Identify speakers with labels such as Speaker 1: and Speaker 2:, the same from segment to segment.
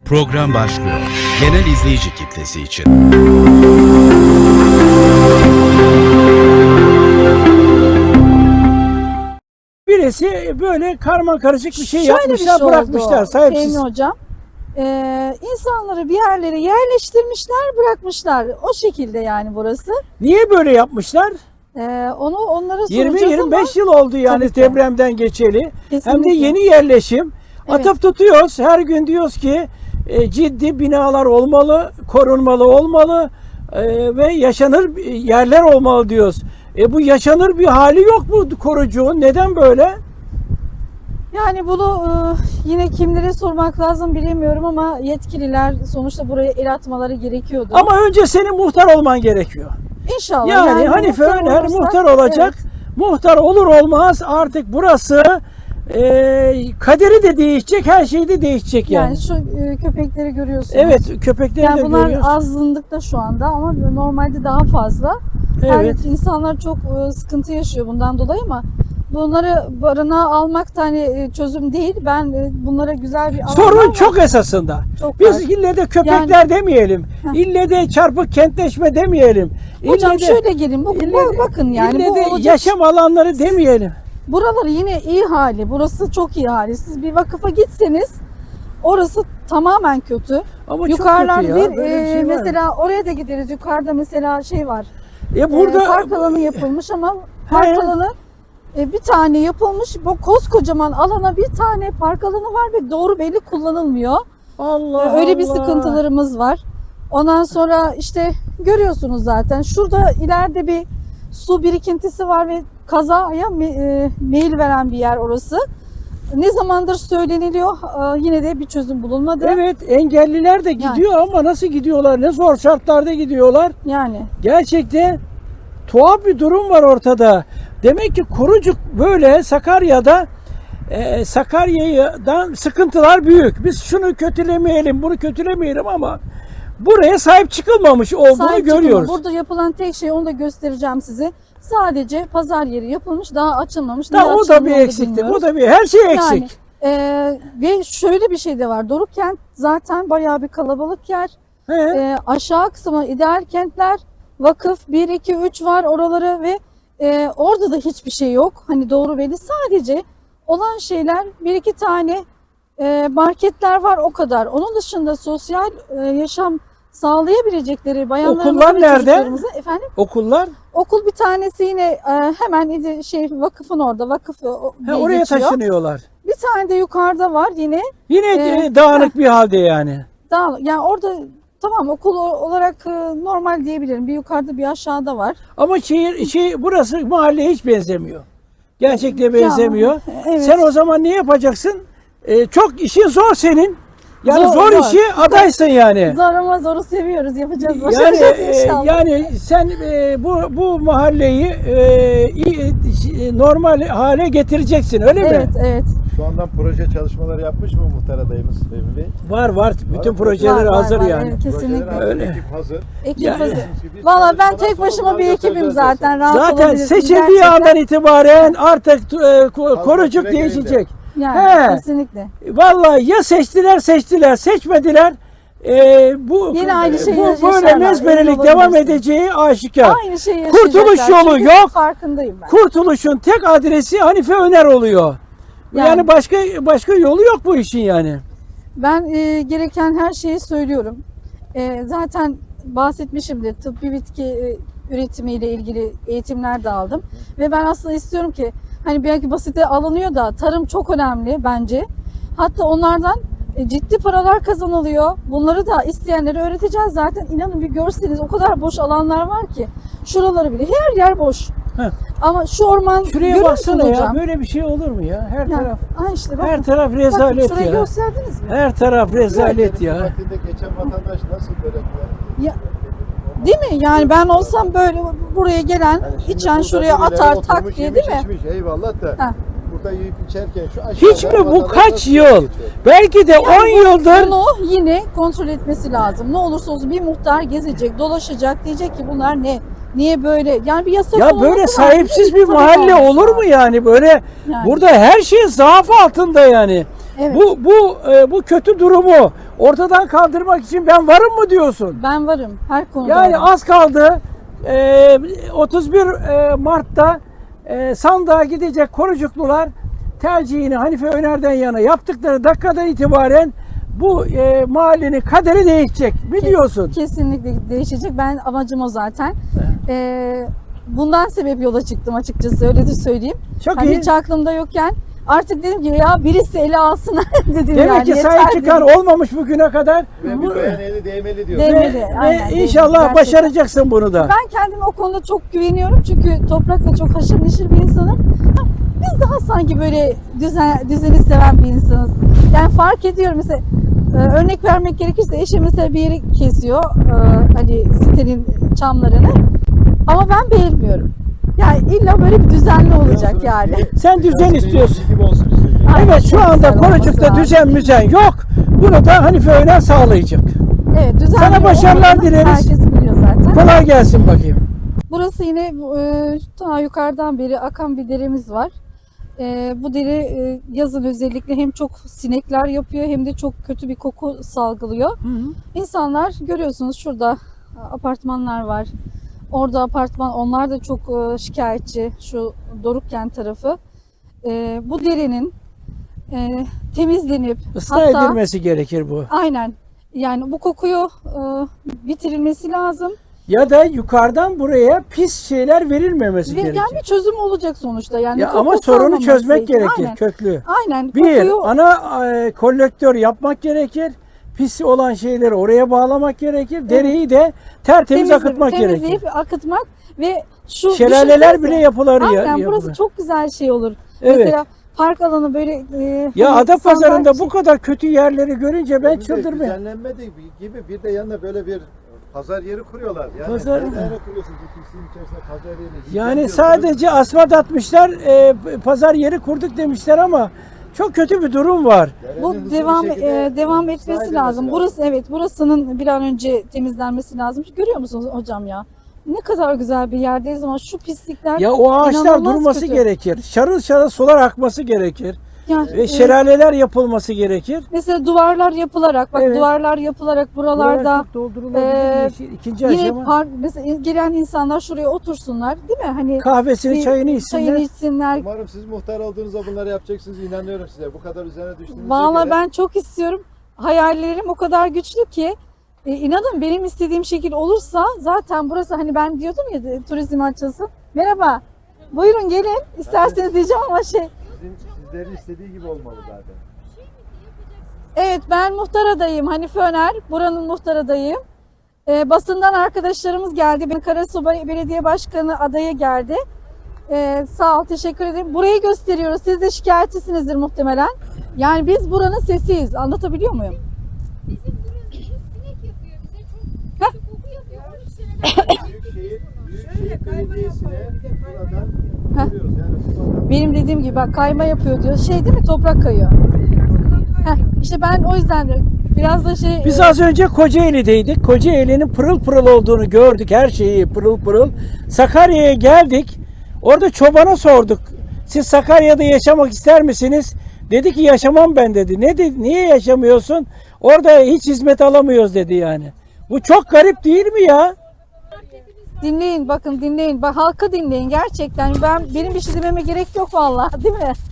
Speaker 1: Program başlıyor. Genel izleyici kitlesi için.
Speaker 2: Birisi böyle karma karışık bir şey
Speaker 3: Şöyle
Speaker 2: yapmışlar,
Speaker 3: bir şey
Speaker 2: bırakmışlar
Speaker 3: oldu,
Speaker 2: sahipsiz.
Speaker 3: Fehmi Hocam. İnsanları bir yerlere yerleştirmişler, bırakmışlar. O şekilde yani burası.
Speaker 2: Niye böyle yapmışlar?
Speaker 3: Onlara soracağız ama
Speaker 2: 20-25 yıl oldu yani
Speaker 3: Tabii ki.
Speaker 2: depremden geçeli. Hem de
Speaker 3: Kesinlikle.
Speaker 2: yeni yerleşim.
Speaker 3: Evet.
Speaker 2: Atıp tutuyoruz. Her gün diyoruz ki ciddi binalar olmalı, korunmalı olmalı ve yaşanır yerler olmalı diyoruz. Bu yaşanır bir hali yok bu korucuğun. Neden böyle?
Speaker 3: yani bunu yine kimlere sormak lazım bilemiyorum ama yetkililer sonuçta buraya el atmaları gerekiyordu.
Speaker 2: Ama önce senin muhtar olman gerekiyor.
Speaker 3: İnşallah.
Speaker 2: Yani Hanife
Speaker 3: muhtar
Speaker 2: Öner
Speaker 3: olursak-
Speaker 2: muhtar olacak.
Speaker 3: Evet.
Speaker 2: Muhtar olur olmaz artık burası kaderi de değişecek, her şey de değişecek yani.
Speaker 3: Yani şu köpekleri görüyorsunuz.
Speaker 2: Evet, köpekleri
Speaker 3: Yani
Speaker 2: de
Speaker 3: bunlar
Speaker 2: görüyoruz.
Speaker 3: azınlıkta şu anda ama normalde daha fazla.
Speaker 2: Evet.
Speaker 3: Yani insanlar çok sıkıntı yaşıyor bundan dolayı ama bunları barınağa almak da hani çözüm değil. Ben bunlara güzel bir alan
Speaker 2: Sorun
Speaker 3: var.
Speaker 2: çok esasında.
Speaker 3: Çok
Speaker 2: Biz
Speaker 3: var.
Speaker 2: ille de köpekler demeyelim. İlle de çarpık kentleşme demeyelim.
Speaker 3: Hocam
Speaker 2: İlle de-
Speaker 3: şöyle gelin bakın yani
Speaker 2: ille
Speaker 3: bu
Speaker 2: de
Speaker 3: olacak.
Speaker 2: yaşam alanları demeyelim.
Speaker 3: Buraları yine iyi hali. Burası çok iyi hali. Siz bir vakıfa gitseniz orası tamamen kötü.
Speaker 2: Ama
Speaker 3: Yukarılar
Speaker 2: çok kötü ya.
Speaker 3: bir
Speaker 2: Böyle bir şey var.
Speaker 3: mesela oraya da gideriz. Yukarıda mesela şey var.
Speaker 2: Burada
Speaker 3: Park alanı yapılmış ama park alanı bir tane yapılmış. Bu koskocaman alana bir tane park alanı var ve doğru belli kullanılmıyor.
Speaker 2: Allah
Speaker 3: Öyle bir
Speaker 2: Allah.
Speaker 3: sıkıntılarımız var. Ondan sonra işte görüyorsunuz zaten. Şurada ileride bir su birikintisi var ve kazaya meyil veren bir yer orası. Ne zamandır söyleniliyor yine de bir çözüm bulunmadı.
Speaker 2: Evet, engelliler de gidiyor ama nasıl gidiyorlar? Ne zor şartlarda gidiyorlar.
Speaker 3: Yani
Speaker 2: Gerçekten tuhaf bir durum var ortada. Demek ki Korucuk böyle Sakarya'da Sakarya'dan sıkıntılar büyük. Biz şunu kötülemeyelim, bunu kötülemeyelim ama buraya sahip çıkılmamış olduğunu
Speaker 3: sahip
Speaker 2: görüyoruz.
Speaker 3: çıkılma. Burada yapılan tek şey onu da göstereceğim size. Sadece pazar yeri yapılmış, daha açılmamış.
Speaker 2: Da,
Speaker 3: Niye
Speaker 2: o da
Speaker 3: açılmadı
Speaker 2: bir
Speaker 3: onu da
Speaker 2: eksiklik.
Speaker 3: bilmiyoruz.
Speaker 2: O da bir her şey
Speaker 3: Yani,
Speaker 2: eksik.
Speaker 3: ve şöyle bir şey de var. Doruk-Kent zaten bayağı bir kalabalık yer.
Speaker 2: He.
Speaker 3: Aşağı kısmı ideal kentler, vakıf 1, 2, 3 var oraları ve orada da hiçbir şey yok. Hani doğru belli. Sadece olan şeyler 1-2 tane marketler var o kadar. Onun dışında sosyal yaşam sağlayabilecekleri bayanlarımıza
Speaker 2: Okullar
Speaker 3: ve
Speaker 2: nerede?
Speaker 3: çocuklarımıza efendim.
Speaker 2: Okullar
Speaker 3: Okul bir tanesi yine hemen vakıfın orada. Vakıf diye
Speaker 2: oraya
Speaker 3: geçiyor.
Speaker 2: taşınıyorlar.
Speaker 3: Bir tane de yukarıda var yine.
Speaker 2: Yine dağınık bir halde yani.
Speaker 3: Yani orada tamam okul olarak normal diyebilirim. Bir yukarıda bir aşağıda var.
Speaker 2: Ama burası mahalleye hiç benzemiyor. Gerçekten benzemiyor.
Speaker 3: evet.
Speaker 2: Sen o zaman ne yapacaksın? Çok işin zor senin. Yani zor
Speaker 3: Zor.
Speaker 2: işi adaysın yani.
Speaker 3: Zor ama zoru seviyoruz. Yapacağız.
Speaker 2: Yani
Speaker 3: Başaracağız inşallah.
Speaker 2: yani sen bu mahalleyi normal hale getireceksin öyle mi?
Speaker 3: Evet, evet.
Speaker 4: Şu andan proje çalışmaları yapmış mı muhtar adayımız Fehmi Bey?
Speaker 2: Var. Bütün projeler
Speaker 3: Var,
Speaker 2: hazır
Speaker 3: var,
Speaker 2: yani.
Speaker 3: evet, kesinlikle.
Speaker 4: Projeler hazır,
Speaker 2: Öyle.
Speaker 4: ekip hazır.
Speaker 3: Ekip
Speaker 2: Yani-
Speaker 3: hazır.
Speaker 4: Biz
Speaker 3: Valla ben
Speaker 4: çalışmadan
Speaker 3: tek başıma
Speaker 4: sonra
Speaker 3: bir ekibim
Speaker 4: göstereceğiz
Speaker 3: zaten. Rahat
Speaker 2: Zaten
Speaker 3: olabilirsiniz.
Speaker 2: seçildiği
Speaker 3: Gerçekten.
Speaker 2: andan itibaren artık Korucuk
Speaker 4: süre
Speaker 2: değişecek.
Speaker 3: Yani
Speaker 2: He.
Speaker 3: kesinlikle.
Speaker 2: Vallahi ya seçtiler, seçmediler.
Speaker 3: Yine aynı şeyi
Speaker 2: bu
Speaker 3: yaşarlar,
Speaker 2: böyle
Speaker 3: emin
Speaker 2: mezberelik devam
Speaker 3: olabilirsiniz.
Speaker 2: edeceği aşikar.
Speaker 3: Aynı şeyi
Speaker 2: Kurtuluş
Speaker 3: yaşayacaklar.
Speaker 2: yolu
Speaker 3: Çünkü
Speaker 2: yok.
Speaker 3: Farkındayım ben.
Speaker 2: Kurtuluşun tek adresi Hanife Öner oluyor. Yani başka yolu yok bu işin yani.
Speaker 3: Ben gereken her şeyi söylüyorum. Zaten bahsetmişimdir. Tıbbi bitki üretimiyle ilgili eğitimler de aldım. Ve ben aslında istiyorum ki hani belki basite alınıyor da tarım çok önemli bence. Hatta onlardan ciddi paralar kazanılıyor. Bunları da isteyenlere öğreteceğiz zaten. İnanın bir görseniz o kadar boş alanlar var ki. Şuraları bile her yer boş.
Speaker 2: Heh.
Speaker 3: Ama şu orman
Speaker 2: Şuraya
Speaker 3: görüyor
Speaker 2: baksana
Speaker 3: musunuz
Speaker 2: ya,
Speaker 3: hocam?
Speaker 2: böyle bir şey olur mu ya? Her taraf
Speaker 3: işte bakın.
Speaker 2: her taraf
Speaker 3: Bakın
Speaker 2: rezalet
Speaker 3: şurayı
Speaker 2: ya.
Speaker 3: gösterdiniz mi?
Speaker 2: Her taraf rezalet ya.
Speaker 4: Vaktinde geçen vatandaş nasıl böyle
Speaker 3: Ya, değil mi? Yani ben olsam böyle buraya gelen içen şuraya atar tak diye değil mi?
Speaker 4: Içmiş, eyvallah da
Speaker 3: Ha.
Speaker 4: burada yiyip içerken şu aşağıda
Speaker 2: Hiç mi bu
Speaker 4: vatandaş
Speaker 2: kaç
Speaker 4: nasıl
Speaker 2: yıl?
Speaker 4: geçiyor?
Speaker 2: Belki de 10 yıldır
Speaker 3: Bunu yine kontrol etmesi lazım. Ne olursa olsun bir muhtar gezecek, dolaşacak, diyecek ki bunlar ne? Niye böyle? Yani bir yasa
Speaker 2: ya
Speaker 3: konulması
Speaker 2: böyle
Speaker 3: lazım.
Speaker 2: sahipsiz bir
Speaker 3: Tabii
Speaker 2: mahalle
Speaker 3: olması
Speaker 2: olur mu
Speaker 3: lazım.
Speaker 2: yani? Böyle
Speaker 3: Yani.
Speaker 2: burada her şey zaaf altında yani.
Speaker 3: Evet.
Speaker 2: Bu kötü durumu ortadan kaldırmak için ben varım mı diyorsun?
Speaker 3: Ben varım her konuda.
Speaker 2: Yani
Speaker 3: varım.
Speaker 2: az kaldı. 31 Mart'ta sandığa gidecek Korucuklular tercihini Hanife Öner'den yana yaptıkları dakikadan itibaren bu mahallenin kaderi değişecek. Mi diyorsun?
Speaker 3: Kesinlikle değişecek. Ben amacım o zaten. Bundan sebep yola çıktım açıkçası, öyle de söyleyeyim.
Speaker 2: Çok
Speaker 3: Hani
Speaker 2: iyi.
Speaker 3: hiç aklımda yokken artık dedim ki ya birisi ele alsın dedim.
Speaker 2: Demek
Speaker 3: yani,
Speaker 2: ki
Speaker 3: yeter
Speaker 2: sahip
Speaker 3: dedim.
Speaker 2: çıkan olmamış bugüne kadar.
Speaker 4: Ve bir beğen eli değmeli diyor.
Speaker 3: Değmeli.
Speaker 2: Ve
Speaker 3: Aynen,
Speaker 2: inşallah
Speaker 3: gerçekten.
Speaker 2: başaracaksın bunu da.
Speaker 3: Ben kendime o konuda çok güveniyorum çünkü toprakla çok haşır neşir bir insanım. Biz daha sanki böyle düzeni seven bir insanız. Yani fark ediyorum mesela, örnek vermek gerekirse eşim mesela bir yeri kesiyor, hani sitenin çamlarını, ama ben beğenmiyorum. Yani illa böyle bir düzenli olacak yani.
Speaker 2: Sen düzen istiyorsun.
Speaker 4: Gibi olsun istiyorsun.
Speaker 3: Aynen,
Speaker 2: Evet, şu
Speaker 3: çok
Speaker 2: anda
Speaker 3: güzel olması
Speaker 2: Korucuk'ta
Speaker 3: lazım.
Speaker 2: düzen müzen yok. Bunu da Hanife Öner sağlayacak.
Speaker 3: Evet, düzenli
Speaker 2: Sana başarılar
Speaker 3: olmadığını
Speaker 2: dileriz.
Speaker 3: herkes biliyor zaten.
Speaker 2: Kolay gelsin bakayım.
Speaker 3: Burası yine daha yukarıdan beri akan bir deremiz var. Bu dere yazın özellikle hem çok sinekler yapıyor hem de çok kötü bir koku salgılıyor. İnsanlar görüyorsunuz şurada apartmanlar var. Orada apartman, onlar da çok şikayetçi, şu Dorukkent tarafı. Bu derenin temizlenip
Speaker 2: Islah edilmesi gerekir bu.
Speaker 3: aynen, yani bu kokuyu bitirilmesi lazım.
Speaker 2: Ya da yukarıdan buraya pis şeyler verilmemesi
Speaker 3: Ve
Speaker 2: gerekir.
Speaker 3: yani bir çözüm olacak sonuçta. Yani
Speaker 2: Ya
Speaker 3: koku
Speaker 2: ama sorunu
Speaker 3: kalmaması.
Speaker 2: çözmek gerekir,
Speaker 3: Aynen.
Speaker 2: köklü.
Speaker 3: Aynen.
Speaker 2: Bir,
Speaker 3: Kokuyu
Speaker 2: ana kolektör yapmak gerekir. Pis olan şeyleri oraya bağlamak gerekir. Dereyi de tertemiz akıtmak gerekir.
Speaker 3: temizleyip akıtmak ve şu
Speaker 2: Şelaleler
Speaker 3: düşünsenize.
Speaker 2: bile yapılır.
Speaker 3: Aynen, burası çok güzel şey olur.
Speaker 2: Evet.
Speaker 3: Mesela park alanı böyle
Speaker 2: Ya
Speaker 3: hani
Speaker 2: Adapazarı'nda
Speaker 3: sandalye-
Speaker 2: bu kadar kötü yerleri görünce ben
Speaker 4: Bir de
Speaker 2: çıldırmıyorum.
Speaker 4: Düzenlenme de gibi bir de yanına böyle bir pazar yeri kuruyorlar. Yani
Speaker 2: Pazar-
Speaker 4: nereye kuruyorsun bu pisliğin içerisinde pazar yeri?
Speaker 2: Yani sadece asfalt atmışlar, pazar yeri kurduk demişler ama çok kötü bir durum var.
Speaker 3: bu devam etmesi lazım. Burası, evet, burasının bir an önce temizlenmesi lazım. Görüyor musunuz hocam ya? Ne kadar güzel bir yerdeyiz ama şu pislikler
Speaker 2: Ya o ağaçlar
Speaker 3: inanılmaz
Speaker 2: durması
Speaker 3: kötü.
Speaker 2: gerekir. Şarıl şarıl sular akması gerekir.
Speaker 3: Yani,
Speaker 2: Ve şelaleler yapılması gerekir.
Speaker 3: mesela duvarlar yapılarak, bak
Speaker 2: Evet.
Speaker 3: duvarlar yapılarak buralarda
Speaker 2: Buralar çok doldurulabilir. İkinci
Speaker 3: yine
Speaker 2: aşama.
Speaker 3: mesela gelen insanlar şuraya otursunlar, değil mi? Hani
Speaker 2: Kahvesini,
Speaker 3: bir
Speaker 2: çayını içsinler.
Speaker 3: çayını içsinler.
Speaker 4: Umarım siz muhtar olduğunuzda bunları yapacaksınız. İnanıyorum size. Bu kadar üzerine düştüğünüze
Speaker 3: Vallahi
Speaker 4: göre.
Speaker 3: ben çok istiyorum. Hayallerim o kadar güçlü ki inanın benim istediğim şekil olursa zaten burası, hani ben diyordum ya turizm açılsın. Merhaba. Buyurun gelin. İsterseniz diyeceğim ama
Speaker 4: Sizlerin istediği gibi olmalı zaten.
Speaker 3: evet, ben muhtar adayım. Hanife Öner. Buranın muhtar adayım. Basından arkadaşlarımız geldi. Ben Karasu Belediye Başkanı adayı geldi. Sağ ol, teşekkür ederim. Burayı gösteriyoruz. Siz de şikayetçisinizdir muhtemelen. Yani biz buranın sesiyiz. Anlatabiliyor muyum?
Speaker 5: Bizim burası sinek yapıyor bize, çok kötü koku yapıyor. 13 seneden
Speaker 4: Büyükşehir Belediyesi'ne buradan görüyoruz. Yani
Speaker 3: Benim dediğim gibi bak, kayma yapıyor diyor. Şey değil mi? Toprak kayıyor. İşte ben o yüzden de biraz da
Speaker 2: Biz az önce Kocaeli'deydik. Kocaeli'nin pırıl pırıl olduğunu gördük. Her şeyi pırıl pırıl. Sakarya'ya geldik. Orada çobana sorduk. Siz Sakarya'da yaşamak ister misiniz? Dedi ki yaşamam ben dedi. Ne dedi? Niye yaşamıyorsun? Orada hiç hizmet alamıyoruz dedi yani. Bu çok garip değil mi ya?
Speaker 3: dinleyin, bakın dinleyin. Bak, halkı dinleyin gerçekten. Benim bir şey dememe gerek yok vallahi, değil mi?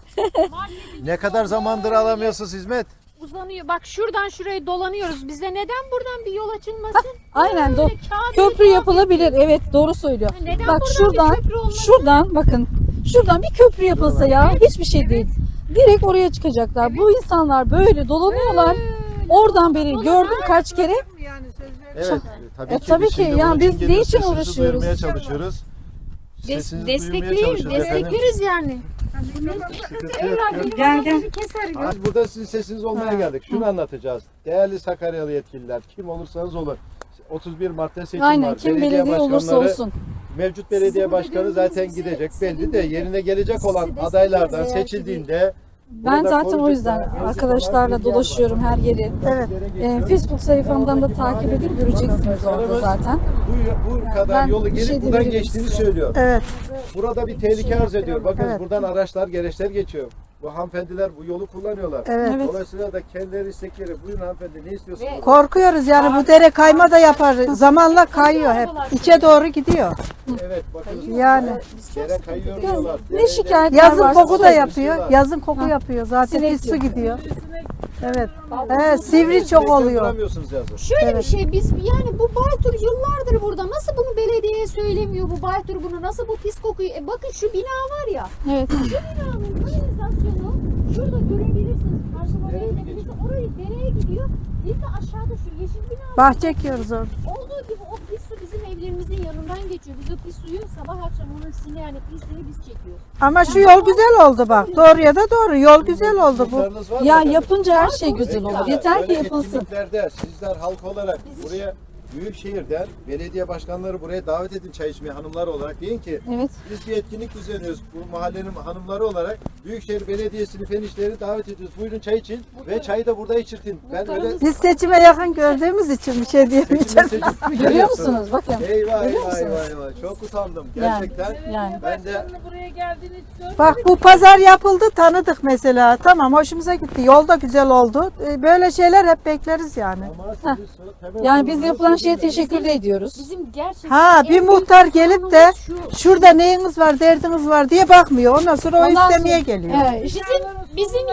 Speaker 4: ne kadar zamandır alamıyorsunuz hizmet?
Speaker 5: uzanıyor. Bak şuradan şuraya dolanıyoruz. Bize neden buradan bir yol açılmasın?
Speaker 3: Aynen,
Speaker 5: Böyle kağıt
Speaker 3: köprü
Speaker 5: yüzü
Speaker 3: yapılabilir. Evet, doğru söylüyor.
Speaker 5: Neden
Speaker 3: Bak
Speaker 5: buradan
Speaker 3: şuradan,
Speaker 5: bir köprü olmasın?
Speaker 3: şuradan bakın. Şuradan bir köprü yapılsa ya, hiçbir şey değil. Direkt oraya çıkacaklar. Bu insanlar böyle dolanıyorlar. Oradan beri gördüm kaç kere.
Speaker 4: Evet. Tabii ki,
Speaker 3: tabii
Speaker 4: biz
Speaker 3: ki.
Speaker 4: şimdi
Speaker 3: Yani
Speaker 4: bunun
Speaker 3: biz
Speaker 4: için geliyoruz,
Speaker 3: ne için
Speaker 4: sesinizi
Speaker 3: uğraşıyoruz?
Speaker 4: duyurmaya çalışıyoruz. Sesinizi duyurmaya çalışıyoruz efendim.
Speaker 5: Destekleriz yani.
Speaker 4: Sıkıntı yok.
Speaker 3: Gel.
Speaker 4: Biz burada sizin sesiniz olmaya geldik. Şunu anlatacağız. Değerli Sakaryalı yetkililer, kim olursanız olun. 31 Mart'ta seçim
Speaker 3: Aynen,
Speaker 4: var.
Speaker 3: kim belediye olursa
Speaker 4: başkanları,
Speaker 3: olsun.
Speaker 4: Mevcut belediye başkanı zaten gidecek. Belli de yerine gelecek olan adaylardan seçildiğinde
Speaker 3: Ben
Speaker 4: burada
Speaker 3: zaten o
Speaker 4: koruyucular,
Speaker 3: yüzden
Speaker 4: mevcut olan
Speaker 3: arkadaşlarla
Speaker 4: bir yer
Speaker 3: dolaşıyorum
Speaker 4: var.
Speaker 3: her yeri. Evet. Facebook sayfamdan da takip edip göreceksiniz orada zaten.
Speaker 4: Bu kadar
Speaker 3: ben
Speaker 4: yolu
Speaker 3: bir
Speaker 4: gelip
Speaker 3: şey
Speaker 4: buradan
Speaker 3: diyebilirim
Speaker 4: geçtiğini
Speaker 3: size.
Speaker 4: söylüyor.
Speaker 3: Evet.
Speaker 4: Burada bir tehlike arz ediyor. Bakın buradan araçlar, gereçler geçiyor. Bu hanımefendiler bu yolu kullanıyorlar.
Speaker 6: Evet.
Speaker 4: Dolayısıyla da kendileri istekleri. Buyurun hanımefendi ne istiyorsunuz?
Speaker 6: Korkuyoruz yani bu dere kayma da yapar. Zamanla kayıyor hep. İçe doğru gidiyor.
Speaker 4: Evet bakın.
Speaker 6: Yani.
Speaker 4: Dere kayıyor diyorlar.
Speaker 3: Ne şikayetler
Speaker 6: Yazın
Speaker 3: varsa
Speaker 6: koku da
Speaker 3: söyleyin.
Speaker 6: yapıyor. Yazın koku yapıyor. Zaten
Speaker 3: Sinek
Speaker 6: pis su
Speaker 3: yapıyor.
Speaker 6: gidiyor. Evet. Sivri çok oluyor.
Speaker 4: Duramıyorsunuz yazın.
Speaker 5: Şöyle bir şey biz yani bu Baytur yıllardır burada. Nasıl bunu belediyeye söylemiyor bu Baytur bunu? Nasıl bu pis kokuyu? Bakın şu bina var ya.
Speaker 3: Evet.
Speaker 5: Şu binanın kanalizasyonu şurada görebilirsiniz. Karşılamaya gidebilirsiniz. Orayı dereye gidiyor. Biz de aşağıda şu yeşil bina
Speaker 6: Bahçe ekiyoruz orada.
Speaker 5: olduğu gibi o pis su bizim evlerimizin yanından geçiyor. Biz o pis suyu sabah akşam onun sini yani pisliği biz çekiyoruz.
Speaker 6: Ama şu yol güzel oldu bak. Doğruya da doğru. Yol güzel oldu bu.
Speaker 4: Muhtarınız var mı
Speaker 3: Ya
Speaker 4: efendim?
Speaker 3: yapınca her şey güzel
Speaker 4: Peki,
Speaker 3: olur. Yeter ki
Speaker 4: böyle
Speaker 3: yapılsın.
Speaker 4: etkinliklerde sizler halk olarak buraya Büyükşehir'den belediye başkanları buraya davet edin çay içmeye hanımlar olarak. Deyin ki
Speaker 3: Evet.
Speaker 4: biz bir etkinlik düzenliyoruz bu mahallenin hanımları olarak. Büyükşehir Belediyesi'ni, fen işleri davet ediyoruz. Buyurun çay için ve çayı da burada içirtin. Ben öyle
Speaker 6: Biz seçime yakın gördüğümüz için bir şey diyemeyeceğim.
Speaker 3: Görüyor musunuz? Bakın.
Speaker 4: Eyvah
Speaker 3: Görüyor
Speaker 4: eyvah
Speaker 3: musunuz?
Speaker 4: eyvah eyvah. Çok utandım
Speaker 3: Yani,
Speaker 4: gerçekten.
Speaker 3: yani.
Speaker 4: Ben de
Speaker 6: Bak bu pazar yapıldı tanıdık mesela. Tamam hoşumuza gitti. Yol da güzel oldu. Böyle şeyler hep bekleriz yani.
Speaker 4: ama siz temel
Speaker 3: Yani biz
Speaker 4: sorunları
Speaker 3: yapılan şeye
Speaker 4: çözün.
Speaker 3: teşekkür de ediyoruz.
Speaker 5: Bizim gerçekten
Speaker 6: Ha
Speaker 5: en
Speaker 6: bir
Speaker 5: büyük
Speaker 6: muhtar gelip de
Speaker 5: sorunumuz şu.
Speaker 6: şurada neyiniz var derdiniz var diye bakmıyor. Ondan sonra o
Speaker 3: Ondan
Speaker 6: istemeye
Speaker 3: sonra-
Speaker 6: geliyor.
Speaker 3: Evet, işte
Speaker 5: Bizim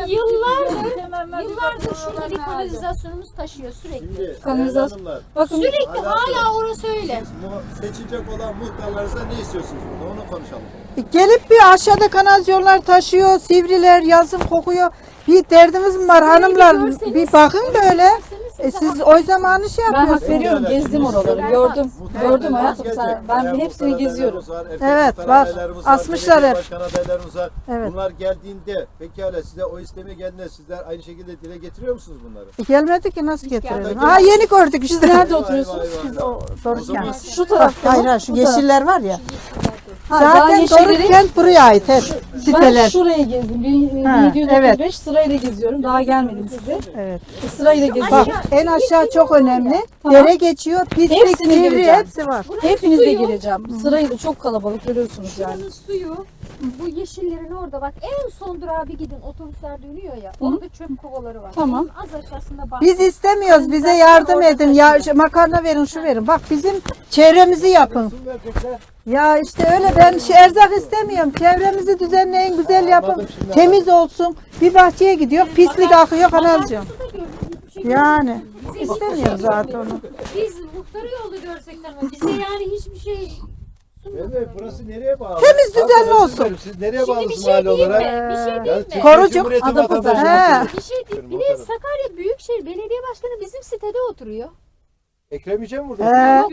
Speaker 5: yıllardır şurada bir kanalizasyonumuz taşıyor sürekli.
Speaker 4: Şimdi
Speaker 3: Kanalizasyon-
Speaker 4: değerli hanımlar,
Speaker 3: bakın
Speaker 5: Sürekli hala orası öyle.
Speaker 4: seçecek olan muhtarlarınızda ne istiyorsunuz? Burada onu konuşalım.
Speaker 6: Gelip bir aşağıda kanalizasyonlar taşıyor, sivriler yazın kokuyor. Bir derdiniz mi var hanımlar?
Speaker 5: görseniz-
Speaker 6: Bir bakın böyle. Siz o zamanı şey
Speaker 3: ben hak
Speaker 6: yapıyorsunuz.
Speaker 3: veriyorum. Gezdim oraları. Gördüm. Gördüm hayatım. Ben
Speaker 4: Bayan
Speaker 3: hepsini
Speaker 4: muhtar
Speaker 3: geziyorum.
Speaker 4: adaylarımız var, erkek
Speaker 6: Evet,
Speaker 4: muhtar
Speaker 6: var.
Speaker 4: adaylarımız var,
Speaker 6: Asmışlar
Speaker 4: belediye
Speaker 6: hep.
Speaker 4: başkan adaylarımız var.
Speaker 6: Evet.
Speaker 4: Bunlar geldiğinde pekala size o istemeye geldiğinde sizler aynı şekilde dile getiriyor musunuz bunları?
Speaker 6: Gelmedi ki nasıl getirelim?
Speaker 4: gelmedi.
Speaker 6: Ha yeni gördük işte.
Speaker 3: Nerede
Speaker 4: Eyvah,
Speaker 3: oturuyorsunuz?
Speaker 4: eyvah, eyvah.
Speaker 6: Biz o Dorukent.
Speaker 4: zaman-
Speaker 3: Şu tarafta
Speaker 6: Hayır
Speaker 3: mı?
Speaker 6: hayır şu
Speaker 3: Bu taraf.
Speaker 6: yeşiller var ya.
Speaker 3: Ha, daha
Speaker 6: Zaten
Speaker 3: yeşilleri-
Speaker 6: Dorukent buraya ait hep.
Speaker 3: Ben
Speaker 6: Siteler.
Speaker 3: şurayı gezdim.
Speaker 6: Ha,
Speaker 3: 1735 sırayla geziyorum. Daha gelmedim size.
Speaker 6: Evet.
Speaker 3: Sırayla
Speaker 6: Bak
Speaker 3: geziyorum.
Speaker 6: en aşağı çok önemli.
Speaker 3: Tamam.
Speaker 6: Dere geçiyor, pislik,
Speaker 3: Hepsini
Speaker 6: sivri
Speaker 3: gireceğim.
Speaker 6: hepsi var.
Speaker 3: Hepinize
Speaker 5: suyu-
Speaker 3: gireceğim. Sırayla çok kalabalık görüyorsunuz yani.
Speaker 5: Buranın suyu bu yeşillerin orada bak en son durağa bir gidin otobüsler dönüyor ya orada çöp kovaları var.
Speaker 3: Tamam.
Speaker 5: Onun az aşağısında bahçe.
Speaker 6: Biz istemiyoruz. Bize yardım edin. Ya makarna verin, şu verin. Bak bizim çevremizi yapın.
Speaker 4: Su verecekler.
Speaker 6: Ya işte öyle ben erzak istemiyorum. Çevremizi düzenleyin, güzel yapın.
Speaker 4: Anladım şimdi.
Speaker 6: Temiz olsun. Bir bahçeye gidiyor, pislik akıyor kanalcığım.
Speaker 5: Su da gördük, hiçbir şey
Speaker 6: Yani
Speaker 5: Bize
Speaker 6: istemiyoruz zaten onu.
Speaker 5: Biz muhtarı yolda görsek ama bize yani hiçbir şey sunmadılar.
Speaker 4: Evet, burası nereye bağlı?
Speaker 6: Temiz, düzenli
Speaker 4: Arkadaşlar,
Speaker 6: olsun.
Speaker 4: Siz nereye
Speaker 5: Şimdi bir
Speaker 4: bağlısınız
Speaker 5: şey
Speaker 4: mahalle
Speaker 5: diyeyim
Speaker 4: olarak?
Speaker 5: mi? Bir şey
Speaker 4: Yani
Speaker 5: diyeyim mi?
Speaker 4: Türkiye
Speaker 6: Korucuk,
Speaker 4: Cumhuriyeti
Speaker 3: Adapazarı.
Speaker 4: vatandaşıyız.
Speaker 5: Bir şey değil. Bir de
Speaker 4: Muhtarım.
Speaker 5: Sakarya Büyükşehir Belediye Başkanı bizim sitede oturuyor.
Speaker 4: Ekrem İce mi burada?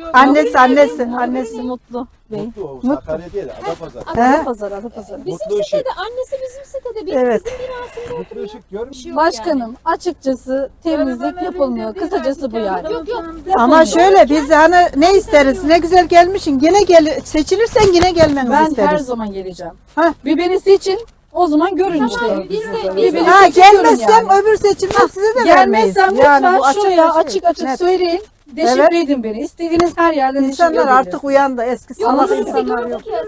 Speaker 6: Annesi.
Speaker 3: Mutlu Bey.
Speaker 4: Mutlu, o Sakarya değil, Adapazarı.
Speaker 3: Adapazarı, Adapazarı.
Speaker 5: Bizim
Speaker 4: Mutlu Işık.
Speaker 5: sitede, annesi bizim sitede. Bizim,
Speaker 6: Evet.
Speaker 5: bizim binasında
Speaker 4: Mutlu Işık görmüyor musun?
Speaker 3: Başkanım açıkçası temizlik yapılmıyor. Kısacası bu yani.
Speaker 5: Yok yok.
Speaker 6: Ama şöyle biz hani ne isteriz? Ne güzel gelmişsin. Yine seçilirsen yine gelmenizi
Speaker 3: Ben her
Speaker 6: isteriz.
Speaker 3: zaman geleceğim.
Speaker 6: Hah.
Speaker 3: Bir beni seçin. O zaman görün işte.
Speaker 5: Biz de
Speaker 3: Bir beni
Speaker 6: Ha
Speaker 3: seçin, görün
Speaker 6: gelmezsem
Speaker 3: yani.
Speaker 6: öbür seçimde size de vermeyiz.
Speaker 3: Gelmezsem lütfen
Speaker 6: bu açık
Speaker 3: şuraya
Speaker 6: bir şey.
Speaker 3: açık açık
Speaker 6: Net.
Speaker 3: söyleyin. Deşifre
Speaker 6: Evet.
Speaker 3: edin beni. İstediğiniz her yerden deşifre
Speaker 6: İnsanlar
Speaker 3: edebilirsiniz.
Speaker 6: artık uyandı. Eski salak
Speaker 5: Biz de
Speaker 6: insanlar yok.
Speaker 5: gördük ya.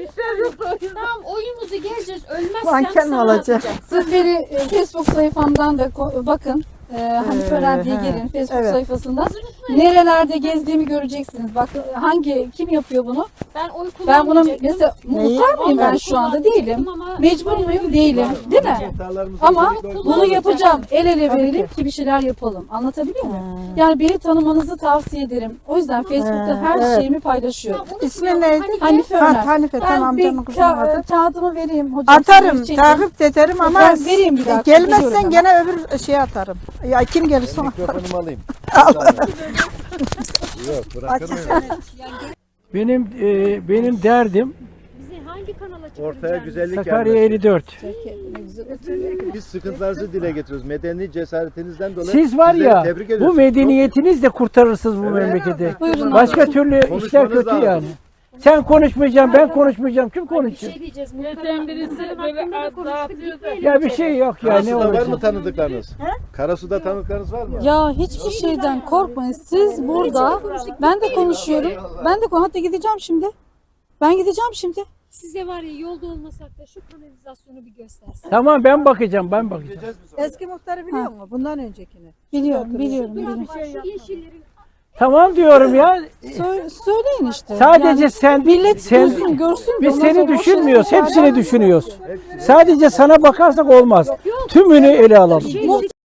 Speaker 5: Tamam oyumuzu geleceğiz. Ölmezsem
Speaker 6: Manken mi
Speaker 5: sana
Speaker 6: olacak?
Speaker 5: atacağım.
Speaker 3: Siz beni Facebook sayfamdan da bakın. Hanife Ören diye girin Facebook
Speaker 6: Evet.
Speaker 3: sayfasından. Nerelerde gezdiğimi göreceksiniz. Bak kim yapıyor bunu?
Speaker 5: Ben oy
Speaker 3: Ben bunu
Speaker 5: kullanmayacaktım.
Speaker 3: mesela muhtar mıyım ben şu anda değilim. Mecbur muyum? Değilim. Değil mi?
Speaker 4: Muhtarlarımızın
Speaker 3: Ama
Speaker 4: çocukları-
Speaker 3: bunu yapacağım. El ele verelim ki bir şeyler yapalım. Anlatabiliyor muyum? Yani beni tanımanızı tavsiye ederim. O yüzden Facebook'ta her
Speaker 6: evet.
Speaker 3: şeyimi paylaşıyorum.
Speaker 6: İsmin neydi?
Speaker 3: Hanife Öner.
Speaker 6: Hanife
Speaker 3: Ben
Speaker 6: tamam
Speaker 3: bir
Speaker 6: amcamın kızının adı.
Speaker 3: kağıdımı vereyim hocam.
Speaker 6: Atarım,
Speaker 3: size çekin.
Speaker 6: takip ederim ama
Speaker 3: Ben vereyim bir dakika,
Speaker 6: gelmezsen
Speaker 3: biliyorum
Speaker 6: gene öbür şeye atarım. Ya kim gelirse ona atarım.
Speaker 4: Mikrofonumu alayım. Yok, bırakır mıyım?
Speaker 2: Benim derdim
Speaker 5: Bizi hangi kanala
Speaker 4: Ortaya güzellik
Speaker 2: Sakarya
Speaker 4: gelmesi.
Speaker 2: 54.
Speaker 4: Biz sıkıntılarınızı dile getiriyoruz. Medeni cesaretinizden dolayı
Speaker 2: Siz var
Speaker 4: sizleri
Speaker 2: ya
Speaker 4: tebrik
Speaker 2: bu
Speaker 4: ediyoruz.
Speaker 2: medeniyetinizle kurtarırsınız bu
Speaker 4: Evet.
Speaker 2: memleketi.
Speaker 3: Buyurun.
Speaker 2: Başka türlü işler
Speaker 4: Konuşmanız
Speaker 2: kötü
Speaker 4: lazım.
Speaker 2: yani. Sen konuşmayacaksın, ben konuşmayacağım. Kim
Speaker 5: Bir
Speaker 2: konuşacak?
Speaker 5: şey diyeceğiz. Muhtarın birisi böyle dağıtıyor.
Speaker 2: Ya bir şey yok ya ne
Speaker 4: Karasu'da var mı
Speaker 2: olacak?
Speaker 4: tanıdıklarınız? Karasu'da tanıdıklarınız var mı?
Speaker 3: Ya hiçbir şeyden korkmayın. Siz burada ben de konuşuyorum. Ben de hatta gideceğim şimdi. Ben gideceğim şimdi.
Speaker 7: Size var ya yolda olmasak da şu kanalizasyonu bir göstersin.
Speaker 2: Tamam ben bakacağım.
Speaker 4: Gideceğiz mi sonra?
Speaker 6: Eski muhtarı biliyor musun? Bundan öncekini.
Speaker 3: Biliyorum, biliyorum,
Speaker 7: Duran
Speaker 3: biliyorum.
Speaker 7: var şu yeşillerin.
Speaker 2: Tamam diyorum ya.
Speaker 3: Söyleyin işte.
Speaker 2: Sadece
Speaker 3: Yani
Speaker 2: sen
Speaker 3: millet
Speaker 2: sen
Speaker 3: görsün, görsün.
Speaker 2: biz
Speaker 3: Ondan
Speaker 2: seni
Speaker 3: sonra o
Speaker 2: düşünmüyoruz.
Speaker 3: şeyleri
Speaker 2: Hepsini
Speaker 3: çağıralım.
Speaker 2: düşünüyoruz. Sadece sana bakarsak olmaz. Tümünü ele alalım.
Speaker 7: Şey,